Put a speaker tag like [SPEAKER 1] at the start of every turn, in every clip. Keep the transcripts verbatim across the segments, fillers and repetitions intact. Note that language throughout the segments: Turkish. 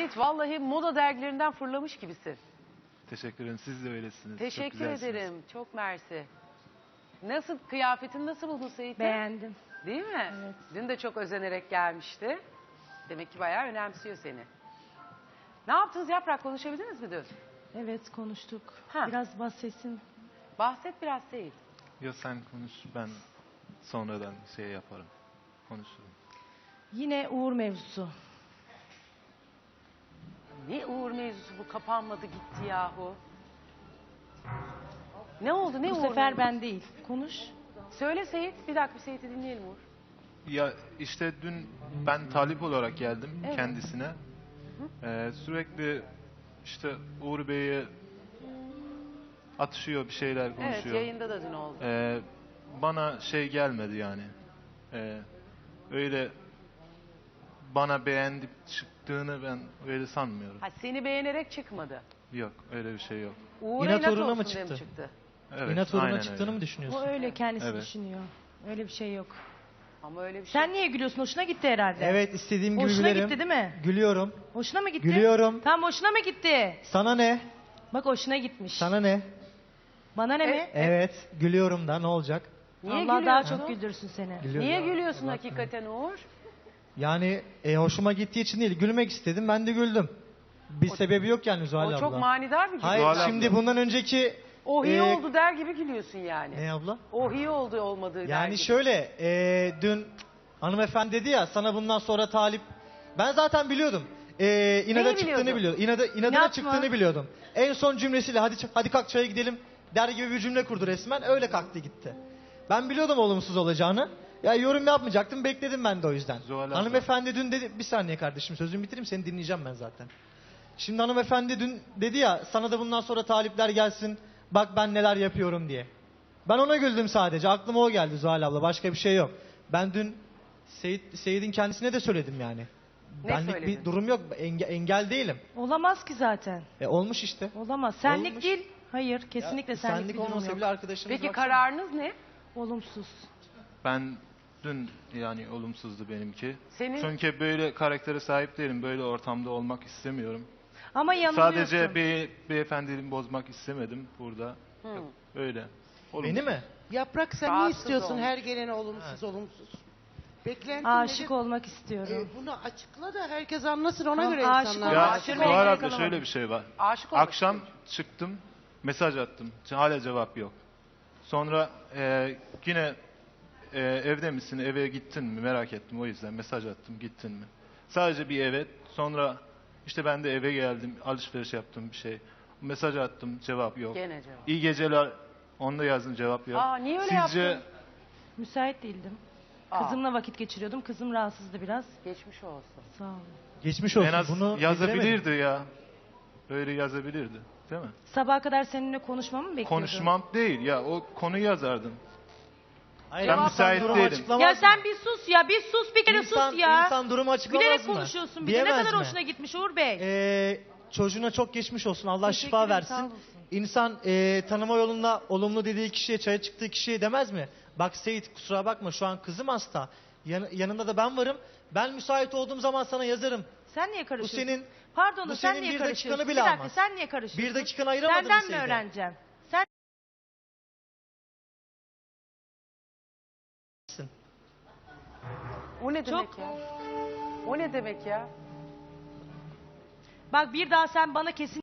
[SPEAKER 1] Seyit vallahi moda dergilerinden fırlamış gibisin.
[SPEAKER 2] Teşekkür ederim. Siz de öylesiniz.
[SPEAKER 1] Teşekkür
[SPEAKER 2] Çok güzelsiniz.
[SPEAKER 1] ederim. Çok mersi. Nasıl, kıyafetini nasıl buldun Seyit'i?
[SPEAKER 3] Beğendim.
[SPEAKER 1] Değil mi?
[SPEAKER 3] Evet.
[SPEAKER 1] Dün de çok özenerek gelmişti. Demek ki bayağı önemsiyor seni. Ne yaptınız Yaprak, konuşabildiniz mi dün?
[SPEAKER 3] Evet, konuştuk.
[SPEAKER 1] Ha.
[SPEAKER 3] Biraz bahsetsin.
[SPEAKER 1] Bahset biraz Seyit.
[SPEAKER 2] Yok sen konuş, ben sonradan şey yaparım. Konuşurum.
[SPEAKER 3] Yine Uğur mevzusu.
[SPEAKER 1] Ne Uğur mevzusu bu, kapanmadı gitti yahu. Ne oldu, ne
[SPEAKER 3] Bu
[SPEAKER 1] Uğur
[SPEAKER 3] sefer
[SPEAKER 1] mevzusu?
[SPEAKER 3] ben değil. Konuş.
[SPEAKER 1] Söyle Seyit, bir dakika bir Seyit'i dinleyelim Uğur.
[SPEAKER 2] Ya işte dün ben talip olarak geldim
[SPEAKER 1] Evet.
[SPEAKER 2] kendisine. Ee, sürekli işte Uğur Bey'e atışıyor, bir şeyler
[SPEAKER 1] Evet,
[SPEAKER 2] konuşuyor.
[SPEAKER 1] yayında da dün oldu.
[SPEAKER 2] Ee, bana şey gelmedi yani. Ee, öyle bana beğendip çıktığını ben öyle sanmıyorum.
[SPEAKER 1] Ha, seni beğenerek çıkmadı.
[SPEAKER 2] Yok, öyle bir şey yok.
[SPEAKER 1] Uğur'a
[SPEAKER 4] İnat
[SPEAKER 1] inat
[SPEAKER 4] uğruna
[SPEAKER 1] olsun
[SPEAKER 4] mı
[SPEAKER 1] diye mi
[SPEAKER 4] çıktı?
[SPEAKER 1] çıktı?
[SPEAKER 2] Evet,
[SPEAKER 4] İnat uğruna
[SPEAKER 2] aynen
[SPEAKER 4] çıktığını
[SPEAKER 2] öyle.
[SPEAKER 4] mı
[SPEAKER 3] Bu
[SPEAKER 4] düşünüyorsun?
[SPEAKER 3] öyle kendisi
[SPEAKER 2] Evet.
[SPEAKER 3] düşünüyor. Öyle bir şey yok.
[SPEAKER 1] Ama öyle bir şey.
[SPEAKER 3] Sen niye gülüyorsun? Hoşuna gitti herhalde.
[SPEAKER 4] Evet, istediğim gibi
[SPEAKER 3] Hoşuna
[SPEAKER 4] gülerim.
[SPEAKER 3] gitti değil mi?
[SPEAKER 4] Gülüyorum.
[SPEAKER 3] Hoşuna mı gitti?
[SPEAKER 4] Gülüyorum.
[SPEAKER 3] Tamam, hoşuna mı gitti?
[SPEAKER 4] Sana ne?
[SPEAKER 3] Bak, hoşuna gitmiş.
[SPEAKER 4] Sana ne?
[SPEAKER 3] Bana ne
[SPEAKER 1] E-
[SPEAKER 3] mi?
[SPEAKER 4] Evet, gülüyorum da ne olacak?
[SPEAKER 1] Niye
[SPEAKER 3] Allah daha
[SPEAKER 1] gülüyorsun?
[SPEAKER 3] çok güldürsün seni.
[SPEAKER 4] Gülüyorum.
[SPEAKER 1] Niye gülüyorsun hakikaten Uğur?
[SPEAKER 4] Yani e, hoşuma gittiği için değil, gülmek istedim, ben de güldüm. Bir sebebi yok yani Zuhal
[SPEAKER 1] O
[SPEAKER 4] abla.
[SPEAKER 1] çok manidar bir gülüş.
[SPEAKER 4] Hayır,
[SPEAKER 2] Zuhal abla.
[SPEAKER 4] şimdi bundan önceki...
[SPEAKER 1] Oh iyi
[SPEAKER 4] e,
[SPEAKER 1] oldu der gibi gülüyorsun yani.
[SPEAKER 4] Ne abla?
[SPEAKER 1] Oh iyi oldu olmadığı der
[SPEAKER 4] Yani
[SPEAKER 1] gibi.
[SPEAKER 4] şöyle, e, dün hanımefendi dedi ya, sana bundan sonra talip... Ben zaten biliyordum. E, inada
[SPEAKER 1] Neyi
[SPEAKER 4] çıktığını
[SPEAKER 1] biliyordun?
[SPEAKER 4] biliyordum. İnada, inadına
[SPEAKER 3] İnat mı?
[SPEAKER 4] çıktığını biliyordum. En son cümlesiyle hadi ç- hadi kalk çaya gidelim der gibi bir cümle kurdu resmen. Öyle kalktı gitti. Ben biliyordum olumsuz olacağını. Ya yorum yapmayacaktım, bekledim ben de o yüzden.
[SPEAKER 2] Zuhal abla.
[SPEAKER 4] Hanımefendi dün dedi, bir saniye kardeşim sözümü bitireyim, seni dinleyeceğim ben zaten. Şimdi hanımefendi dün dedi ya, sana da bundan sonra talipler gelsin, bak ben neler yapıyorum diye. Ben ona güldüm sadece, aklıma o geldi Zuhal abla, başka bir şey yok. Ben dün Seyit, Seyit'in kendisine de söyledim yani.
[SPEAKER 1] Ne
[SPEAKER 4] Benlik
[SPEAKER 1] söyledin?
[SPEAKER 4] bir durum yok, enge- engel değilim.
[SPEAKER 3] Olamaz ki zaten.
[SPEAKER 4] E, olmuş işte.
[SPEAKER 3] Olamaz. Senlik
[SPEAKER 4] Olmuş.
[SPEAKER 3] değil. Hayır, kesinlikle
[SPEAKER 4] Ya,
[SPEAKER 3] senlik,
[SPEAKER 4] senlik
[SPEAKER 3] bir durum
[SPEAKER 4] olmasa
[SPEAKER 3] yok.
[SPEAKER 4] bile arkadaşımız
[SPEAKER 1] Peki
[SPEAKER 4] baksana.
[SPEAKER 1] kararınız ne?
[SPEAKER 3] Olumsuz.
[SPEAKER 2] Ben dün yani olumsuzdu benimki.
[SPEAKER 1] Senin-
[SPEAKER 2] Çünkü böyle karaktere sahip değilim. Böyle ortamda olmak istemiyorum.
[SPEAKER 3] Ama yanılıyorsun.
[SPEAKER 2] Sadece bir beyefendiliğimi bozmak istemedim burada.
[SPEAKER 1] Hı.
[SPEAKER 2] Yok, öyle. Olumsuz.
[SPEAKER 4] Beni mi?
[SPEAKER 5] Yaprak sen
[SPEAKER 1] Rahatsız
[SPEAKER 5] ne istiyorsun
[SPEAKER 1] olmuş.
[SPEAKER 5] her gelene olumsuz olumsuz? Beklentin
[SPEAKER 3] Aşık
[SPEAKER 5] nedir?
[SPEAKER 3] olmak istiyorum.
[SPEAKER 5] Ee, bunu açıkla da herkes anlasın ona
[SPEAKER 3] Tamam,
[SPEAKER 5] göre
[SPEAKER 3] aşık
[SPEAKER 5] insanlar.
[SPEAKER 2] Ya
[SPEAKER 3] olmak
[SPEAKER 1] Aşık
[SPEAKER 3] istiyorum.
[SPEAKER 2] Zuhal
[SPEAKER 1] olmak
[SPEAKER 2] abla şöyle bir şey var.
[SPEAKER 1] Aşık olmak
[SPEAKER 2] Akşam
[SPEAKER 1] istiyorum.
[SPEAKER 2] çıktım, mesaj attım. Hala cevap yok. Sonra e, yine e, evde misin, eve gittin mi merak ettim, o yüzden mesaj attım, gittin mi? Sadece bir evet. Sonra işte ben de eve geldim, alışveriş yaptım bir şey. Mesaj attım, cevap yok.
[SPEAKER 1] Gene cevap.
[SPEAKER 2] İyi geceler, onu da yazdım, cevap yok.
[SPEAKER 1] Aa, niye öyle
[SPEAKER 2] Sizce
[SPEAKER 1] yaptın?
[SPEAKER 3] Müsait değildim.
[SPEAKER 1] Aa,
[SPEAKER 3] Kızımla vakit geçiriyordum. Kızım rahatsızdı biraz.
[SPEAKER 1] geçmiş olsun.
[SPEAKER 3] Sağ olun.
[SPEAKER 4] Geçmiş olsun.
[SPEAKER 2] en az
[SPEAKER 4] Bunu
[SPEAKER 2] yazabilirdi
[SPEAKER 4] bildiremedim.
[SPEAKER 2] ya. Öyle yazabilirdi, değil mi?
[SPEAKER 3] Sabaha kadar seninle konuşmamı mı bekliyordun?
[SPEAKER 2] Konuşmam değil ya, o konuyu yazardım.
[SPEAKER 4] Hayır,
[SPEAKER 2] Ben
[SPEAKER 4] insan
[SPEAKER 2] müsait
[SPEAKER 4] durumu
[SPEAKER 2] değilim.
[SPEAKER 4] açıklamaz
[SPEAKER 3] Ya
[SPEAKER 4] mı?
[SPEAKER 3] sen bir sus ya. Bir sus bir kere
[SPEAKER 4] İnsan-
[SPEAKER 3] sus ya.
[SPEAKER 4] İnsan durumu açıklamaz
[SPEAKER 3] Bilerek
[SPEAKER 4] mı?
[SPEAKER 3] konuşuyorsun bir de. Ne
[SPEAKER 4] Diyemez
[SPEAKER 3] kadar
[SPEAKER 4] mi?
[SPEAKER 3] hoşuna gitmiş Uğur Bey.
[SPEAKER 4] Ee, çocuğuna çok geçmiş olsun. Allah
[SPEAKER 3] Teşekkür
[SPEAKER 4] şifa
[SPEAKER 3] ederim, sağ
[SPEAKER 4] versin.
[SPEAKER 3] olasın.
[SPEAKER 4] İnsan e, tanıma yolunda olumlu dediği kişiye, çaya çıktığı kişiye demez mi? Bak Seyit, kusura bakma, şu an kızım hasta. Yan- yanında da ben varım. Ben müsait olduğum zaman sana yazarım.
[SPEAKER 3] Sen niye karışıyorsun?
[SPEAKER 4] senin-
[SPEAKER 3] Pardon da
[SPEAKER 4] bu
[SPEAKER 3] sen
[SPEAKER 4] senin
[SPEAKER 3] niye
[SPEAKER 4] bir
[SPEAKER 3] karışıyorsun?
[SPEAKER 4] dakikanı bile
[SPEAKER 3] bir dakika
[SPEAKER 4] almaz.
[SPEAKER 3] sen niye karışıyorsun?
[SPEAKER 4] Bir dakikanı ayıramadın mı
[SPEAKER 3] Senden mi
[SPEAKER 4] Seyit'e?
[SPEAKER 3] öğreneceğim? Sen
[SPEAKER 1] O ne demek
[SPEAKER 3] Çok-
[SPEAKER 1] ya? O ne demek ya?
[SPEAKER 3] bak bir daha sen bana kesin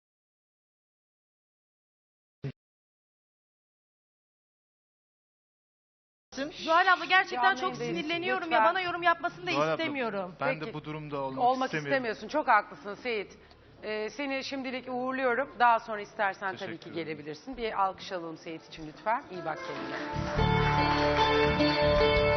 [SPEAKER 3] Zuhal abla gerçekten
[SPEAKER 1] Canlı
[SPEAKER 3] çok
[SPEAKER 1] yayındayız,
[SPEAKER 3] sinirleniyorum
[SPEAKER 1] lütfen.
[SPEAKER 3] ya. Bana yorum yapmasını da
[SPEAKER 2] Zuhal abla,
[SPEAKER 3] istemiyorum.
[SPEAKER 2] Ben
[SPEAKER 1] Peki.
[SPEAKER 2] de bu durumda olmak,
[SPEAKER 1] Olmak
[SPEAKER 2] istemiyorum.
[SPEAKER 1] istemiyorsun. Çok haklısın Seyit. Ee, seni şimdilik uğurluyorum. Daha sonra istersen tabii
[SPEAKER 2] Teşekkür
[SPEAKER 1] ki
[SPEAKER 2] ederim.
[SPEAKER 1] gelebilirsin. Bir alkış alalım Seyit için lütfen. İyi bak kendine.